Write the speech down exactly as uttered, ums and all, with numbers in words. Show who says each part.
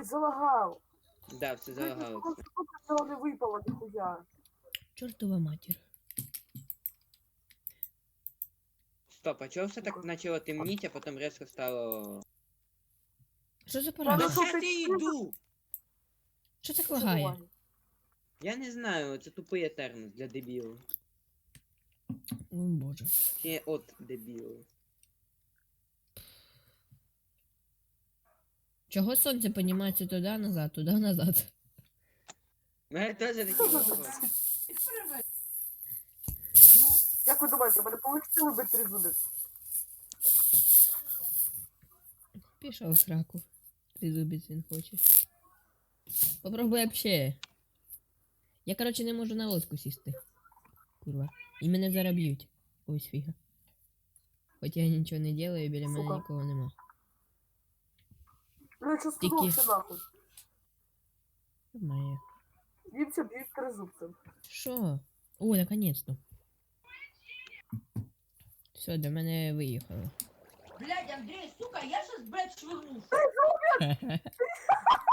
Speaker 1: Ой, залагав.
Speaker 2: Да, все залагалося.
Speaker 1: Цього не випало, ніхуя.
Speaker 3: Чортова матір.
Speaker 2: Стоп, а чого все так почало темніть, а потім резко стало...
Speaker 3: Що за
Speaker 1: Та
Speaker 2: Да
Speaker 1: ну
Speaker 3: парада?
Speaker 1: що
Speaker 2: щас
Speaker 1: ти
Speaker 2: я
Speaker 1: чудо?
Speaker 2: йду!
Speaker 3: Що так лагає?
Speaker 2: Я не знаю, це тупий етернус для дебілів.
Speaker 3: О боже.
Speaker 2: Ще от дебілів.
Speaker 3: Чого сонце піднімається туди назад, туди назад?
Speaker 2: У мене теж такий вопрос.
Speaker 1: Як ви думаєте, в мене вийшло вибити тризубець?
Speaker 3: Пішов в сраку. Тризубець він хоче. Попробуй вообще. Я, короче, не можу на лодку сісти. Курва. І мене зараз б'ють. Ось фіга. Хоч я нічого не делаю, біля мене
Speaker 1: Сука.
Speaker 3: нікого нема.
Speaker 1: Ну я що
Speaker 3: Тільки-
Speaker 1: сказав, все нахуй.
Speaker 3: Моє.
Speaker 1: Їмся б'ють тризубцем.
Speaker 3: Що? О, наконец-то. Все, до мене виїхало.
Speaker 4: Блядь, Андрей, сука, я сейчас, блядь, швырну.